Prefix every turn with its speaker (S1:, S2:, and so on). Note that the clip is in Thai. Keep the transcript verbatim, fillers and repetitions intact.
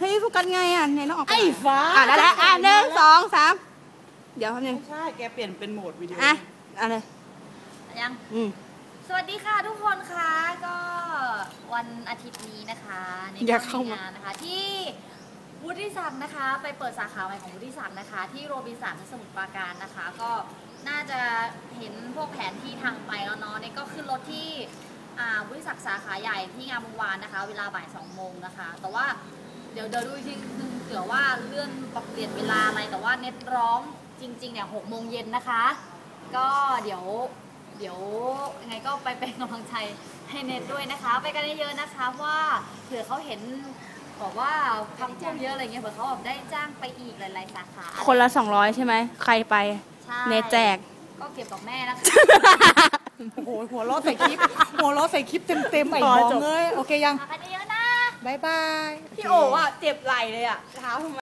S1: ฮ้ยโฟกัสไงอ่ะไหนน้องออกไอ้
S2: ฟ้า
S1: อ่ะได้แล้วอ่ะหนึ่งสองสามเดี๋ยวทำยัง
S2: ใช่แกเปลี่ยนเป็นโหมดวิดีโอ
S1: อ่ะอะไร
S3: ยัง
S1: อืม
S3: สวัสดีค่ะทุกคนค่ะก็วันอาทิตย์นี้นะคะในงานนะคะที่วุฒิศักดิ์นะคะไปเปิดสาขาใหม่ของวุฒิศักดิ์นะคะที่โรบินสันสมุทรปราการนะคะก็น่าจะเห็นพวกแผนที่ทางไปแล้วเนาะนี่ก็ขึ้นรถที่วุฒิศักดิ์สาขาใหญ่ที่งามวงวานนะคะเวลาบ่ายสองโมงนะคะแต่ว่าเดี๋ยวเดี๋ยวดูทีนึงเผื่อว่าเลื่อนปรับเปลี่ยนเวลาอะไรแต่ว่าเน็ตร้องจริงๆเนี่ยหกโมงเย็นนะคะก็เดี๋ยวเดี๋ยวยังไงก็ไปเป็นกำลังใจให้เน็ตด้วยนะคะไปกันเยอะๆนะคะว่าเผื่อเขาเห็นบอกว่าพักพวกเยอะอะไรเงี้ยเผื่อเขาแบบได้จ้างไปอีกหลายๆสาขา
S1: คนละสองร้อยใช่ไหมใครไปเน็ตแจก
S3: ก็เก็บกับแม่นะคะ
S2: โอ้โหหัวล้อใส่คลิปหัวล้อใส่คลิปเต็มๆไอ้บองเลยโอเคยัง
S3: ไปกันเยอะนะ
S2: บายบาย
S1: พี่โออ่ะเจ็บไหล่เลยอ่ะเท้าทำไม